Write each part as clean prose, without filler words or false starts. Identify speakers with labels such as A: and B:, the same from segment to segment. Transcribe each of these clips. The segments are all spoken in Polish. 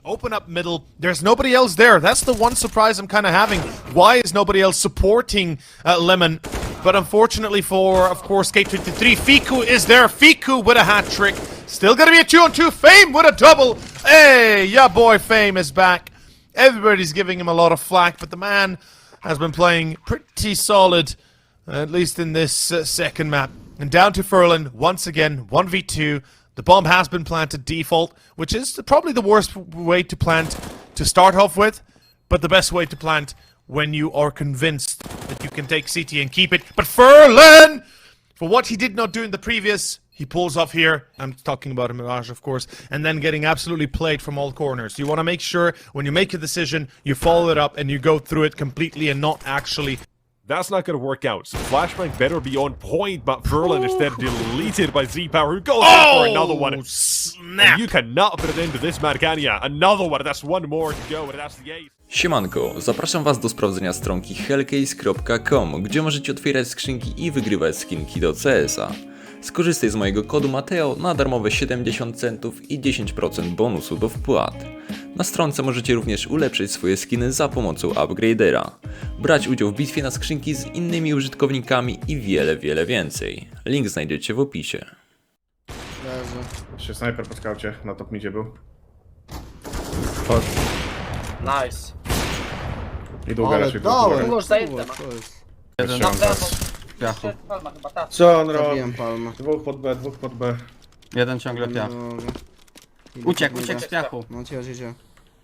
A: Open up middle. There's nobody else there. That's the one surprise I'm kind of having. Why is nobody else supporting Lemon? But unfortunately for, of course, Skate23, Fiku is there. Fiku with a hat trick. Still gonna be a 2-on-2. Fame with a double. Hey, yeah, boy, Fame is back. Everybody's giving him a lot of flack, but the man has been playing pretty solid, at least in this second map. And down to Furlan, once again, 1v2. The bomb has been planted default, which is probably the worst way to plant to start off with, but the best way to plant when you are convinced that you can take CT and keep it. But Furlan, for what he did not do in the previous, he pulls off here. I'm talking about a Mirage, of course, and then getting absolutely played from all corners. You want to make sure when you make a decision, you follow it up and you go through it completely and not actually.
B: That's not going to work out, so Flashbang better be on point, but Furlan instead deleted by Z-Power, who goes in for another one.
A: Snap!
B: And you cannot put it into this Margania. Another one, that's one more to go, and that's the eighth.
C: Siemanko, zapraszam was do sprawdzenia stronki hellcase.com, gdzie możecie otwierać skrzynki i wygrywać skinki do CS-a. Skorzystaj z mojego kodu Mateo na darmowe 70 centów i 10% bonusu do wpłat. Na stronce możecie również ulepszyć swoje skiny za pomocą upgradera, brać udział w bitwie na skrzynki z innymi użytkownikami i wiele więcej. Link znajdziecie w opisie.
D: Jeszcze snajper po skaucie, na top midzie był.
E: Chodź.
F: Nice.
D: I długa raczej
F: Tu już zajęte ma.
E: Jeden
F: Na prawo.
E: piachu.
F: Palma chyba, tak.
D: Co on robi?
G: Zabiłem palmę.
D: Dwóch pod B, dwóch pod B.
E: Jeden ciągle piach.
G: Dobra.
E: Uciekł z piachu.
G: No cię.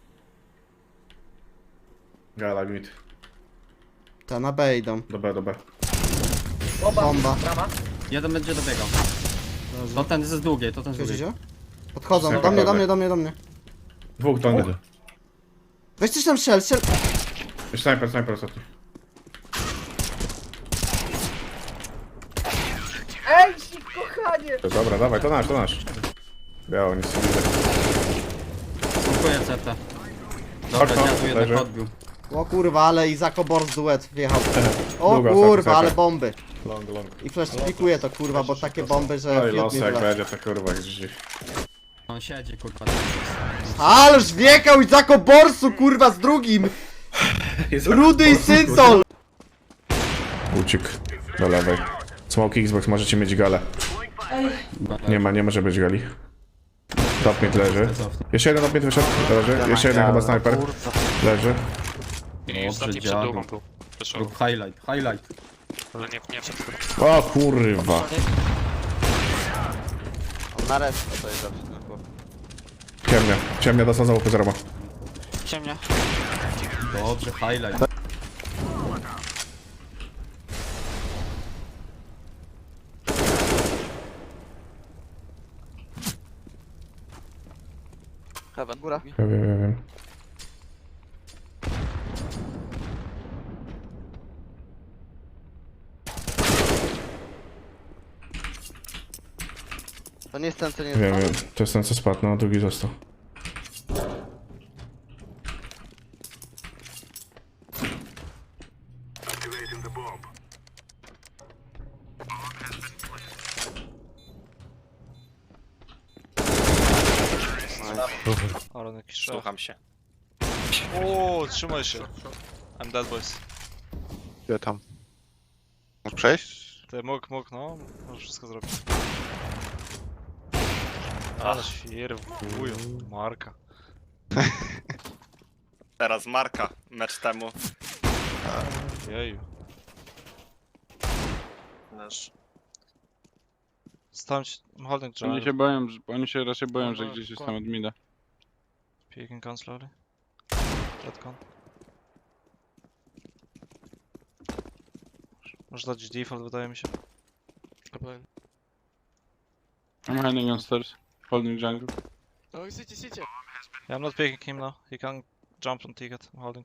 D: Gala mid.
G: Ta na B idą.
D: Do B, do B.
G: Bomba.
F: Brama.
E: Jeden będzie dobiegał. To ten z długiej, to ten z długiej.
G: Słyszycie? Podchodzą,
D: Snajper
G: do mnie.
D: Dwóch do mnie.
G: Weź coś tam strzel.
D: Snajper ostatni.
F: Ej, kochanie!
D: Dobra, dawaj, to nasz. Biało, nic nie widzę.
E: Dziękuję CT.
D: Chodź,
E: Dobra, ja tu jeden
D: leży.
E: podbił.
G: O kurwa, ale Izako Bors duet wjechał. O
D: Długo,
G: kurwa,
D: snajper.
G: ale bomby.
D: Long.
G: I flash pikuje to kurwa, bo takie bomby, że
D: No i
G: fiut mi
D: losy jak
G: wleci.
D: będzie, to kurwa gdzieś.
E: On siedzi, kurwa.
G: Ależ wjechał Izako Borsu kurwa z drugim! Rudy i Syntol!
D: Uciekł do lewej. Smoke Xbox, możecie mieć galę. Nie może być gali. Top mid leży. Jeszcze jeden top mid wyszedł, leży. Jeszcze jeden chyba snajper. Leży.
E: Dobrze, dziadu. Rób highlight.
D: O kurwa.
H: Na resztę to jest zawsze na głowie.
D: Ciemnia dostał za łupy zaroma.
H: Ciemnia.
E: Dobrze, highlight.
H: Heaven. Góra.
D: Ja wiem.
H: To nie jest ten, co nie jest.
D: Wiem. To jest ten co spadł, no drugi został.
I: Aron jakiś słucham się. O, trzymaj się. I'm dead boys.
H: Gdzie tam? Możesz przejść?
I: Ty mógł, no. Możesz wszystko zrobić. Ale świr, wujo, Marka.
J: Teraz Marka, mecz temu.
I: Jeju.
J: Wiesz.
I: Stałem się, holding drive.
K: Oni się raczej boją, że gdzieś jest tam od mida.
I: Peeking con slowly. Dead con. Może dać default, wydaje mi się.
K: I'm hiding on stairs, holding jungle.
I: Yeah, I'm not picking him now. He can jump on ticket. I'm holding.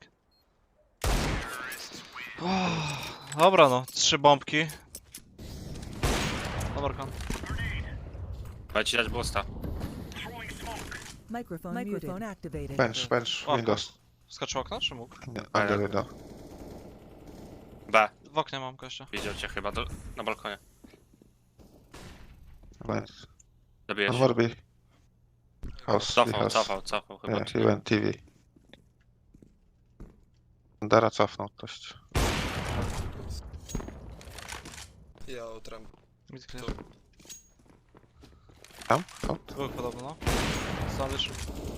I: Dobra no, 3 bombki. Dobra con.
J: Chodź ci dać boosta.
L: Microphone activated.
H: Bench,
I: O,
H: Windows.
I: Skoczył okno, czy mógł?
H: Under window.
J: B.
I: W oknie mam gościa.
J: Widział cię chyba na balkonie.
H: Bench.
J: Zabijesz.
H: Warby. House.
J: Cofał chyba.
H: Yeah, he went TV. Dara cofnął dość. Tam? Out?
I: Dwóch podobno, no. Sam wyszł.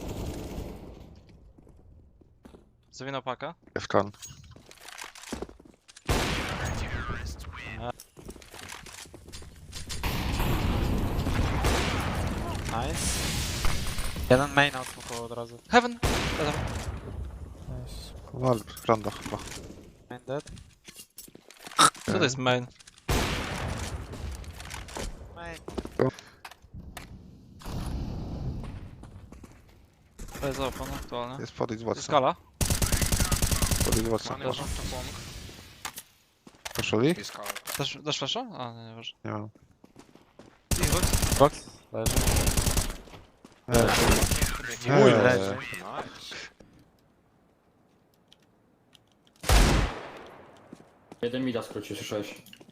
I: Zawinął paka.
H: Jest kon.
I: Nice. Jeden main outsmoke'ował od razu. Heaven!
H: Wal, rondo chyba.
I: Main dead. Co to jest main? Main. To jest open aktualnie.
H: Jest podejść z Watson.
I: Skala.
H: Podejść z Watson.
I: Leży.
H: Poszuli?
I: Dasz flasha? A, nie ważne.
H: Nie mam.
I: Box. Leży.
H: Mój
I: leży.
E: Jeden mida skrócił, słyszałeś?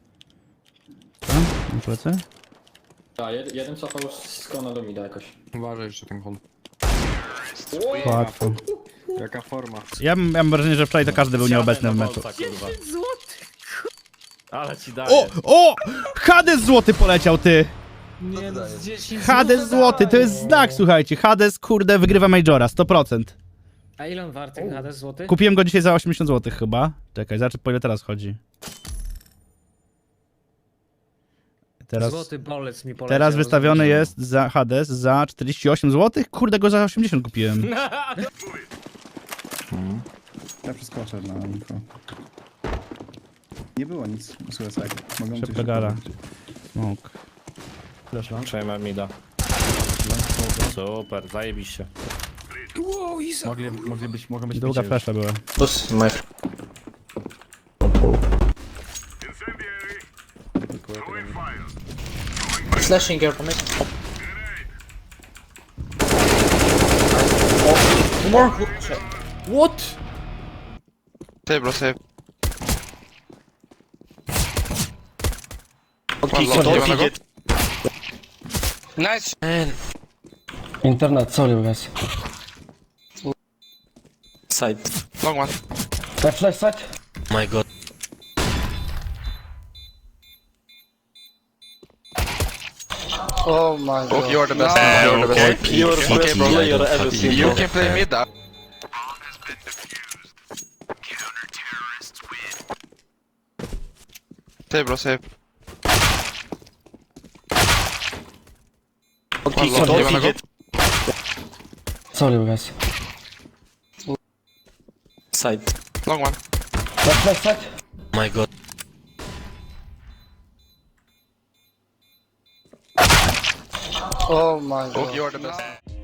G: Plecy?
E: Tak, jeden cofał z kona do mida jakoś.
K: Uważaj jeszcze ten kon.
G: Łatwo.
K: Jaka forma.
G: Ja mam wrażenie, że wczoraj to każdy był nieobecny w meczu.
K: Ale ci daję.
G: O! Hades złoty poleciał, ty! Hades złoty, to jest znak, słuchajcie. Hades, kurde, wygrywa Majora, 100%.
E: A ile on warty, Hades złoty?
G: Kupiłem go dzisiaj za 80 zł chyba. Czekaj, zobaczę po ile teraz chodzi. Teraz,
E: Złoty bolec mi poleciał.
G: teraz wystawiony jest za Hades za 48 zł. Kurde, go za 80 kupiłem.
K: Ja przeskoczę na info. Nie było nic, suicide. Mogą
G: Szybka gara. Smok.
K: Przejmę mida. Super, zajebiście. Mogą być
G: Długa flasha była.
F: Slashing here for me.
G: What?
H: Save bro, save.
F: Nice.
E: Internet, sorry guys.
J: Side.
H: Long one.
E: Flash side?
J: My god.
F: Oh my god.
H: You are the best. You are the best. Okay bro, you can play mid. Save bro, save.
J: Okay,
H: One long, you wanna go?
E: Sorry guys.
J: Side.
H: Long one.
E: Flash side?
J: My god.
F: Oh my god.
H: You are the best.